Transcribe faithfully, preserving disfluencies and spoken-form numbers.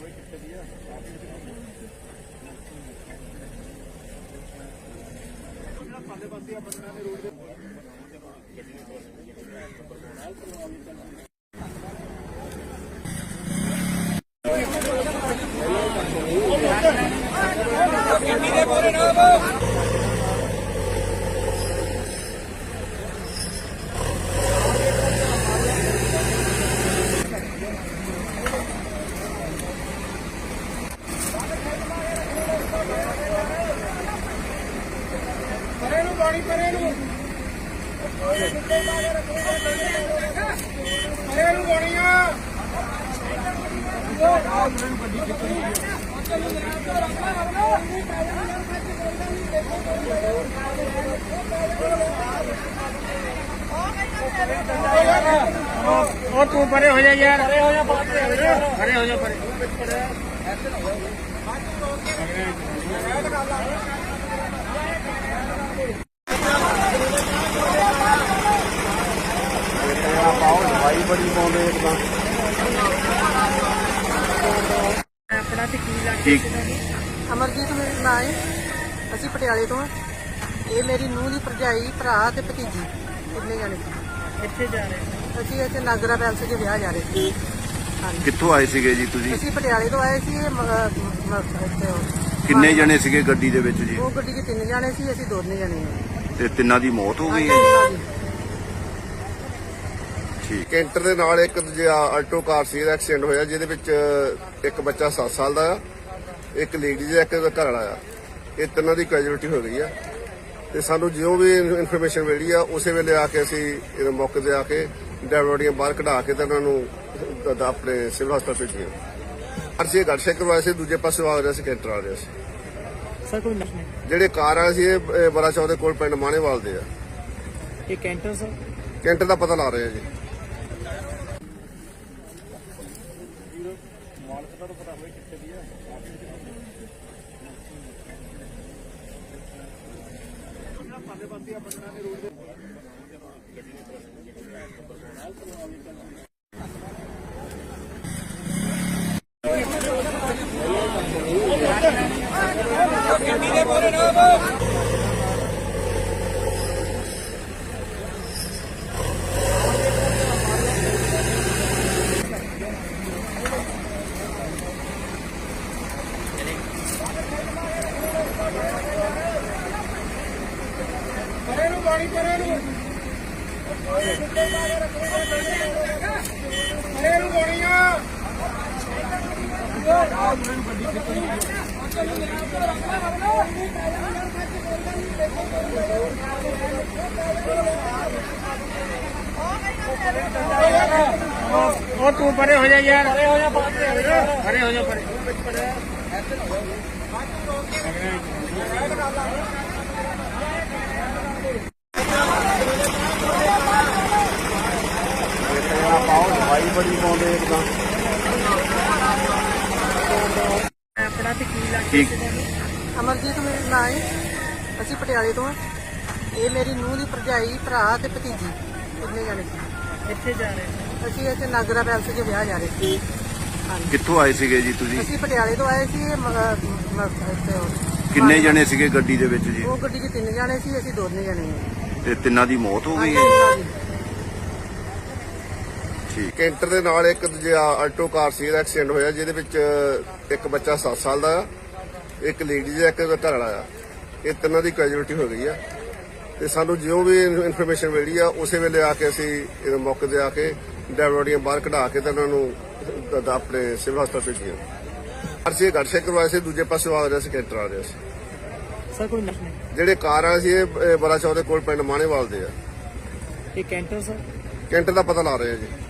ਪਾਣੀ ਪਰੇ ਨੂੰ ਪਰੇ ਨੂੰ ਪਾਣੀ ਆ ਉਹ ਤੂੰ ਪਰੇ ਹੋ ਜਾ ਯਾਰ, ਪਰੇ ਹੋ ਜਾ, ਪਰੇ ਹੋ ਜਾ, ਪਰੇ ਦਵਾਈ ਬੜੀ ਪਾਉਂਦੇ ਇੱਕਦਾਂ ਆਪਣਾ ਤੇ ਕੀ ਲੱਗਦਾ ਅਮਰਜੀਤ ਮੇਰਾ ਨਾਂ ਹੈ। ਅਸੀਂ ਪਟਿਆਲੇ ਤੋਂ ਹਾਂ। ਇਹ ਮੇਰੀ ਨੂੰਹ ਦੀ ਭਰਜਾਈ, ਭਰਾ ਤੇ ਭਤੀਜੀ ਕਿੰਨੇ ਜਾਣੇ ਸੀ। ਕਿੱਥੇ ਜਾ ਰਹੇ? ਅਸੀਂ ਇੱਥੇ ਨਾਗਰਾ ਪੈਲਸ 'ਚ ਵਿਆਹ ਜਾ ਰਹੇ ਸੀ। ਹਾਂਜੀ, ਕਿੱਥੋਂ ਆਏ ਸੀਗੇ ਜੀ ਤੁਸੀਂ? ਅਸੀਂ ਪਟਿਆਲੇ ਤੋਂ ਆਏ ਸੀ। ਇਹ ਮ- ਮ- ਇੱਥੇ ਉਹ- ਕਿੰਨੇ ਜਣੇ ਸੀਗੇ ਗੱਡੀ ਦੇ ਵਿੱਚ ਜੀ? ਉਹ ਗੱਡੀ 'ਚ ਤਿੰਨ ਜਾਣੇ ਸੀ, ਅਸੀਂ ਦੋਨੇ ਜਾਣੇ ਹਾਂ। ਤੇ ਤਿੰਨਾਂ ਦੀ ਮੌਤ ਹੋ ਗਈ ਹੈ? ਹਾਂਜੀ। ਠੀਕ। ਕੈਂਟਰ ਦੇ ਨਾਲ ਇੱਕ ਦੂਜਾ ਆਲਟੋ ਕਾਰ ਸੀ, ਇਹਦਾ ਐਕਸੀਡੈਂਟ ਹੋਇਆ, ਜਿਹਦੇ ਵਿੱਚ ਇੱਕ ਬੱਚਾ ਸੱਤ ਸਾਲ ਦਾ ਆ, ਇੱਕ ਲੇਡੀ ਦਾ, ਇੱਕ ਘਰ ਵਾਲਾ ਆ। ਇਹ ਤਿੰਨਾਂ ਦੀ ਕੈਜੂਅਲਟੀ ਹੋ ਗਈ ਆ ਤੇ ਸਾਨੂੰ ਜਿਉਂ ਵੀ ਇਨਫੋਰਮੇਸ਼ਨ ਮਿਲੀ ਆ ਉਸੇ ਵੇਲੇ ਆ ਕੇ ਅਸੀਂ ਇਹ ਮੌਕੇ ਤੇ ਆ ਕੇ ਡੈਡ ਬੋਡੀਆਂ ਬਾਹਰ ਕਢਾ ਕੇ ਤੇ ਉਹਨਾਂ ਨੂੰ ਦ- ਆਪਣੇ ਸਿਵਲ ਹਸਪਤਾਲ ਭੇਜੀਆਂ। ਅਸੀਂ ਗੱਡ ਚੈੱਕ ਕਰਵਾਇਆ ਸੀ, ਦੂਜੇ ਪਾਸੇ ਆ ਰਿਹਾ ਸੀ ਕੈਂਟਰ ਆ ਰਿਹਾ ਸੀ। ਸਰ ਕੋਈ ਨਸ਼ਾ ਨਹੀਂ। ਜਿਹੜੇ ਕਾਰ ਵਾਲੇ ਸੀ ਇਹ ਬੜਾ ਚੌਕ ਦੇ ਕੋਲ ਪਿੰਡ ਮਾਣੇਵਾਲ ਦੇ ਆ। ਇਹ ਕੈਂਟਰ ਸਰ ਕੈਂਟਰ ਦਾ ਪਤਾ ਲਾ ਰਹੇ ਆ ਜੀ। ਪਰੇ ਨੂੰ ਪਾਣੀ ਪਰੇ ਨੂੰ ਪਰੇ ਨੂੰ ਪਾਣੀ ਆ ਉਹ ਤੂੰ ਪਰੇ ਹੋ ਜਾ ਯਾਰ, ਪਰੇ ਹੋ ਜਾ, ਪਰੇ ਹੋ ਜਾ, ਪਰੇ ਦਵਾਈ ਬੜੀ ਪਾਉਂਦੇ ਇੱਕਦਾਂ ਆਪਣਾ ਤੇ ਕੀ ਲੱਗਦਾ ਅਮਰਜੀਤ ਮੇਰਾ ਨਾਂ ਹੈ। ਅਸੀਂ ਪਟਿਆਲੇ ਤੋਂ ਹਾਂ। ਇਹ ਮੇਰੀ ਨੂੰਹ ਦੀ ਭਰਜਾਈ, ਭਰਾ ਤੇ ਭਤੀਜੀ ਕਿੰਨੇ ਜਾਣੇ ਸੀ। ਕਿੱਥੇ ਜਾ ਰਹੇ? ਅਸੀਂ ਇੱਥੇ ਨਾਗਰਾ ਪੈਲਸ 'ਚ ਵਿਆਹ ਜਾ ਰਹੇ ਸੀ। ਹਾਂਜੀ, ਕਿੱਥੋਂ ਆਏ ਸੀਗੇ ਜੀ ਤੁਸੀਂ? ਅਸੀਂ ਪਟਿਆਲੇ ਤੋਂ ਆਏ ਸੀ। ਇਹ ਮ- ਮ- ਇੱਥੇ ਉਹ- ਕਿੰਨੇ ਜਣੇ ਸੀਗੇ ਗੱਡੀ ਦੇ ਵਿੱਚ ਜੀ? ਉਹ ਗੱਡੀ 'ਚ ਤਿੰਨ ਜਾਣੇ ਸੀ, ਅਸੀਂ ਦੋਨੇ ਜਾਣੇ ਹਾਂ। ਤੇ ਤਿੰਨਾਂ ਦੀ ਮੌਤ ਹੋ ਗਈ ਹੈ? ਹਾਂਜੀ। ਠੀਕ। ਕੈਂਟਰ ਦੇ ਨਾਲ ਇੱਕ ਦੂਜਾ ਆਲਟੋ ਕਾਰ ਸੀ, ਇਹਦਾ ਐਕਸੀਡੈਂਟ ਹੋਇਆ, ਜਿਹਦੇ ਵਿੱਚ ਇੱਕ ਬੱਚਾ ਸੱਤ ਸਾਲ ਦਾ ਆ, ਇੱਕ ਲੇਡੀ ਦਾ, ਇੱਕ ਘਰ ਵਾਲਾ ਆ। ਇਹ ਤਿੰਨਾਂ ਦੀ ਕੈਜੂਅਲਟੀ ਹੋ ਗਈ ਆ ਤੇ ਸਾਨੂੰ ਜਿਉਂ ਵੀ ਇਨਫੋਰਮੇਸ਼ਨ ਮਿਲੀ ਆ ਉਸੇ ਵੇਲੇ ਆ ਕੇ ਅਸੀਂ ਇਹ ਮੌਕੇ ਤੇ ਆ ਕੇ ਡੈਡ ਬੋਡੀਆਂ ਬਾਹਰ ਕਢਾ ਕੇ ਤੇ ਉਹਨਾਂ ਨੂੰ ਦ- ਆਪਣੇ ਸਿਵਲ ਹਸਪਤਾਲ ਭੇਜੀਆਂ। ਅਸੀਂ ਗੱਡ ਚੈੱਕ ਕਰਵਾਇਆ ਸੀ, ਦੂਜੇ ਪਾਸੇ ਆ ਰਿਹਾ ਸੀ ਕੈਂਟਰ ਆ ਰਿਹਾ ਸੀ। ਸਰ ਕੋਈ ਨਸ਼ਾ ਨਹੀਂ। ਜਿਹੜੇ ਕਾਰ ਵਾਲੇ ਸੀ ਇਹ ਬੜਾ ਚੌਕ ਦੇ ਕੋਲ ਪਿੰਡ ਮਾਣੇਵਾਲ ਦੇ ਆ। ਇਹ ਕੈਂਟਰ ਸਰ ਕੈਂਟਰ ਦਾ ਪਤਾ ਲਾ ਰਹੇ ਆ ਜੀ।